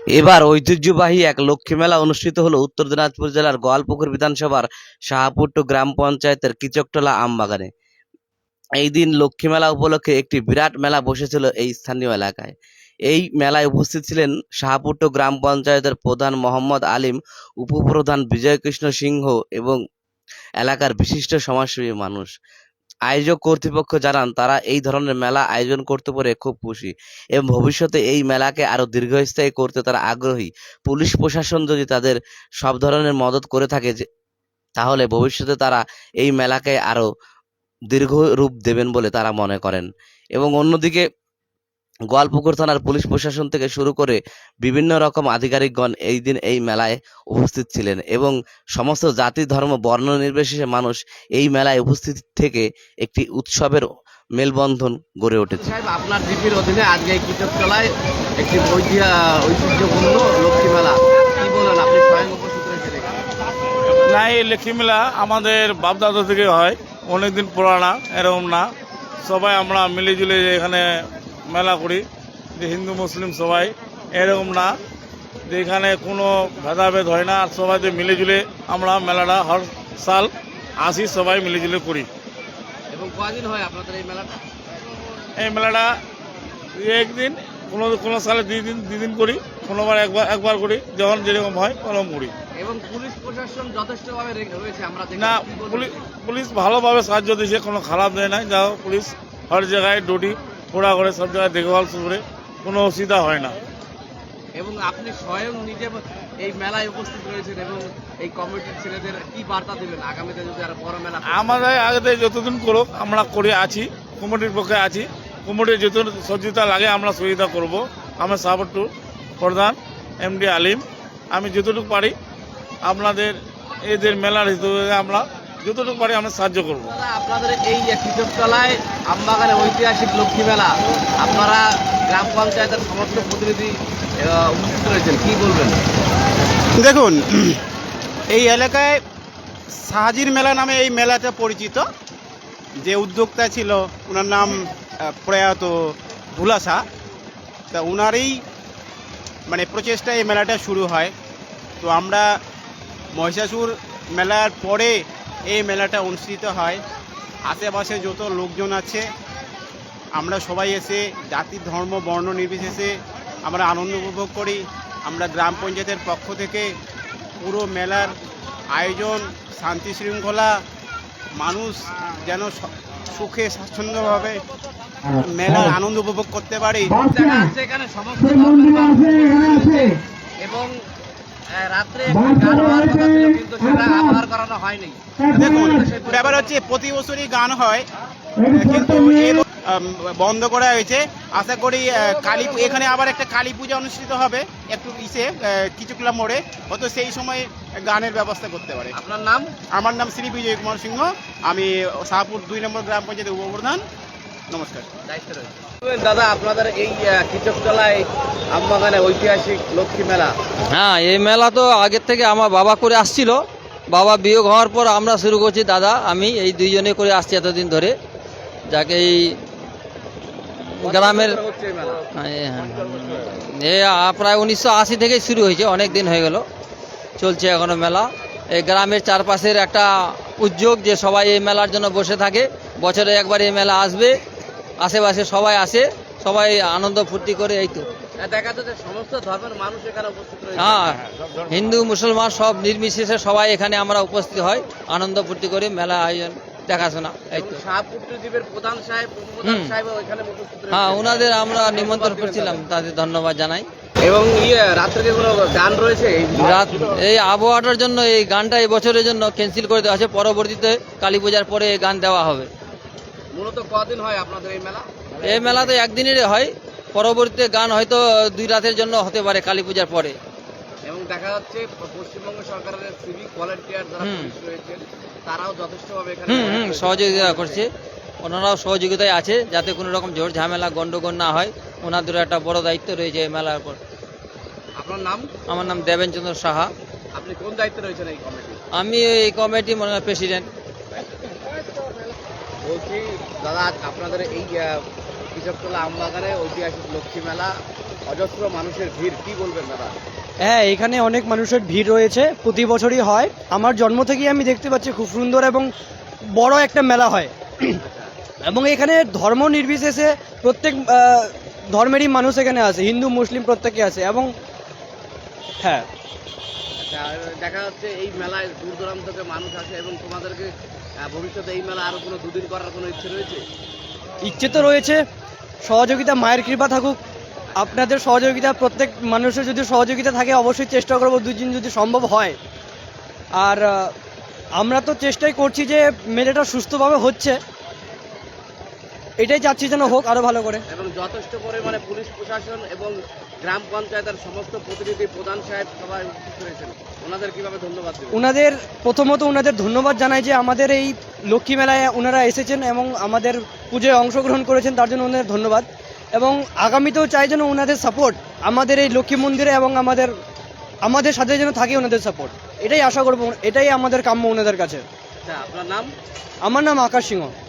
এবার ঐতিহ্যবাহী এক লক্ষ্মী মেলা অনুষ্ঠিত হলো উত্তর দিনাজপুর জেলার গোয়ালপুকুর বিধানসভার শাহপুট্টু গ্রাম পঞ্চায়েতের কিচকতলা আমবাগানে। এই দিন লক্ষ্মী মেলা উপলক্ষে একটি বিরাট মেলা বসেছিল এই স্থানীয় এলাকায়। এই মেলায় উপস্থিত ছিলেন শাহপুট্টু গ্রাম পঞ্চায়েতের প্রধান মোহাম্মদ আলিম, উপপ্রধান বিজয়কৃষ্ণ সিংহ এবং এলাকার বিশিষ্ট সমাজসেবী মানুষ। আয়োজক কর্তৃপক্ষ জানান, তারা এই ধরনের মেলা আয়োজন করতে পেরে খুব খুশি এবং ভবিষ্যতে এই মেলাকে আরো দীর্ঘস্থায়ী করতে তারা আগ্রহী। পুলিশ প্রশাসন যদি তাদের সব ধরনের মদত করে থাকে তাহলে ভবিষ্যতে তারা এই মেলাকে আরো দীর্ঘ রূপ দেবেন বলে তারা মনে করেন। এবং অন্যদিকে গোয়ালপুকুর থানার পুলিশ প্রশাসন থেকে শুরু করে বিভিন্ন রকম আধিকারিকগণ এই দিন এই মেলায় উপস্থিত ছিলেন এবং সমস্ত জাতি ধর্ম বর্ণ নির্বিশেষে মানুষ এই মেলায় উপস্থিত থেকে একটি উৎসবের মেলবন্ধন গড়ে উঠেছে। সাহেব, আপনার জিপির অধীনে আজকে এই কিচকতলায় একটি ঐতিহ্যপূর্ণ লক্ষ্মী মেলা, কি বলেন? আপনি স্বয়ং উপস্থিত রয়েছেন এখানে। না, এই লক্ষ্মী মেলা আমাদের বাপদাদা থেকে হয়, অনেকদিন পুরানা। এরকম না, সবাই আমরা মিলেজুলে এখানে মেলা করি, যে হিন্দু মুসলিম সবাই। এরকম না যে এখানে কোনো ভেদাভেদ হয় না, আর সবাই মিলেজুলে আমরা মেলাটা হর সাল আসি, সবাই মিলেজুলে করি। এবং কয়দিন হয় আপনাদের এই মেলাটা? এই মেলাটা একদিন, কোনো সালে দুই দিন করি, কোনোবার একবার করি, যখন যেরকম হয় ওরকম করি। এবং পুলিশ প্রশাসন যথেষ্টভাবে রয়েছে আমরা না, পুলিশ ভালোভাবে সাহায্য দিয়েছে, কোনো খারাপ দেয় নাই। যাও, পুলিশ হর জায়গায় ডিউটি পুরা করে, সব জায়গায় দেখভাল করে, কোনো অসুবিধা হয় না। এবং আপনি স্বয়ং নিজে এই মেলায় উপস্থিত রয়েছেন এবং এই কমিটির ছেলেদের কি বার্তা দেবেন আগামীতে যদি আরো বড় মেলা? আমাদের আগে যতদিন করুক আমরা করে আছি, কমিটির পক্ষে আছি। কমিটির যত সহযোগিতা লাগে আমরা সহযোগিতা করব। আমার শাহপুট্টু প্রধান এমডি আলিম, আমি যতটুকু পারি আপনাদের এদের মেলার হিসেবে আমরা যতটুকু পারি আমরা সাহায্য করব। আপনাদের এই কিচকতলায় আমবাগানে ঐতিহাসিক লক্ষ্মী মেলা, আপনারা গ্রাম পঞ্চায়েতের সমস্ত প্রতিনিধি উপস্থিত রয়েছেন, কি বলবেন? দেখুন, এই এলাকায় সাহাজির মেলা নামে এই মেলাটা পরিচিত। যে উদ্যোক্তা ছিল ওনার নাম প্রয়াত ভুলা শাহ, তা ওনারই প্রচেষ্টায় এই মেলাটা শুরু হয়। তো আমরা মহিষাসুর মেলার পরে এই মেলাটা অনুষ্ঠিত হয়। আশেপাশে যত লোকজন আছে আমরা সবাই এসে জাতি ধর্ম বর্ণ নির্বিশেষে আমরা আনন্দ উপভোগ করি। আমরা গ্রাম পঞ্চায়েতের পক্ষ থেকে পুরো মেলার আয়োজন শান্তি শৃঙ্খলা, মানুষ যেন সুখে স্বাচ্ছন্দ্যভাবে মেলার আনন্দ উপভোগ করতে পারে। এখানে সমস্ত ধর্মের মানুষ এবং রাত্রে গান হওয়ার কথা ছিল, কিন্তু সেটা আবহাওয়ার করানো হয়নি। দেখুন, ব্যাপার হচ্ছে প্রতি বছরই গান হয়, কিন্তু বন্ধ করা হয়েছে। আশা করি এখানে আবার একটা কালী পূজা অনুষ্ঠিত হবে একটু কিচকতলা মোড়ে, হয়তো সেই সময় গানের ব্যবস্থা করতে পারে। আপনার নাম? আমার নাম শ্রী বিজয় কুমার সিংহ, আমি শাহপুর 2 নম্বর গ্রাম পঞ্চায়েতের উপপ্রধান। নমস্কার। দাদা, আপনাদের এই কিচকতলায় আমবাগানে ঐতিহাসিক লক্ষ্মী মেলা। হ্যাঁ, এই মেলা তো আগের থেকে আমার বাবা করে আসছিল। বাবা বিয়োগ হওয়ার পর আমরা শুরু করছি, দাদা আমি এই দুইজনে করে আসছি এতদিন ধরে। যাকে এই গ্রামের প্রায় 1980 থেকেই শুরু হয়েছে, অনেক দিন হয়ে গেল, চলছে এখনো মেলা। এই গ্রামের চারপাশের একটা উদ্যোগ যে সবাই এই মেলার জন্য বসে থাকে। বছরে একবার এই মেলা আসবে, আশেপাশে সবাই আসে, সবাই আনন্দ ফুর্তি করে। এই তো দেখা যাচ্ছে সমস্ত ধর্মের মানুষ এখানে উপস্থিত রয়েছে। হ্যাঁ, হিন্দু মুসলমান সব নির্বিশেষে সবাই এখানে আমরা উপস্থিত হয়, আনন্দ ফুর্তি করে মেলা আয়োজন দেখাশোনা। এই তো শাহপুট্টু দ্বীপের প্রধান সাহেব এখানে উপস্থিত রয়েছে। হ্যাঁ, ওনাদের আমরা নিমন্ত্রণ করছিলাম, তাদের ধন্যবাদ জানাই। এবং রাত্রে কোনো গান রয়েছে? রাত এই আবহাওয়াটার জন্য এই গানটা এই বছরের জন্য ক্যান্সেল করে দেওয়া আছে, পরবর্তীতে কালী পূজার পরে এই গান দেওয়া হবে। মূলত কদিন হয় আপনাদের এই মেলা? এই মেলা তো একদিনেরই হয়, পরবর্তীতে গান হয়তো 2 রাতের জন্য হতে পারে কালী পূজার পরে। এবং দেখা যাচ্ছে পশ্চিমবঙ্গ সরকারের সিভিক ভলান্টিয়ার যারা পুলিশ রয়েছেন তারাও যথেষ্টভাবে এখানে সহযোগিতা করছে। ওনারাও সহযোগিতায় আছে যাতে কোনো রকম ঝড় ঝামেলা গন্ডগোল না হয়। ওনাদের একটা বড় দায়িত্ব রয়েছে এই মেলার উপর। আপনার নাম? আমার নাম দেবেনচন্দ্র সাহা। আপনি কোন দায়িত্বে রয়েছেন এই কমিটি? আমি এই কমিটি প্রেসিডেন্ট। বলছি দাদা, আপনাদের এই কিচকতলা আমবাগানে ঐতিহাসিক লক্ষ্মী মেলা অজস্র মানুষের ভিড়, কি বলবেন দাদা? হ্যাঁ, এখানে অনেক মানুষের ভিড় রয়েছে, প্রতি বছরই হয়। আমার জন্ম থেকেই আমি দেখতে পাচ্ছি খুব সুন্দর এবং বড় একটা মেলা হয়। এবং এখানে ধর্ম নির্বিশেষে প্রত্যেক ধর্মেরই মানুষ এখানে আছে, হিন্দু মুসলিম প্রত্যেকে আছে। এবং হ্যাঁ, আচ্ছা, আর দেখা যাচ্ছে এই মেলায় দূর দূরান্ত থেকে মানুষ আসে এবং তোমাদেরকে ভবিষ্যতে এই মেলা আরো কোনো দুদিন করার কোনো ইচ্ছে রয়েছে? ইচ্ছে তো রয়েছে, সহযোগিতা মায়ের কৃপা থাকুক, আপনাদের সহযোগিতা, প্রত্যেক মানুষের যদি সহযোগিতা থাকে অবশ্যই চেষ্টা করবো দুদিন যদি সম্ভব হয়। আর আমরা তো চেষ্টাই করছি যে মেলাটা সুস্থভাবে হচ্ছে, এটাই চাচ্ছি যেন হোক আরো ভালো করে। এবং যথেষ্ট পরিমাণে পুলিশ প্রশাসন এবং গ্রাম পঞ্চায়েতের সমস্ত প্রতিনিধি, প্রধান সাহেব সবাই উপস্থিত রয়েছেন, ওনাদের কিভাবে ধন্যবাদ দেবেন? ওনাদের প্রথমত ওনাদের ধন্যবাদ জানাই যে আমাদের এই লক্ষ্মী মেলায় ওনারা এসেছেন এবং আমাদের পুজোয় অংশগ্রহণ করেছেন, তার জন্য ওনাদের ধন্যবাদ। এবং আগামীতেও চাই যেন ওনাদের সাপোর্ট আমাদের এই লক্ষ্মী মন্দিরে এবং আমাদের সাথে যেন থাকে ওনাদের সাপোর্ট, এটাই আশা করবো, এটাই আমাদের কাম্য ওনাদের কাছে। আচ্ছা, আপনার নাম? আমার নাম আকাশ সিংহ।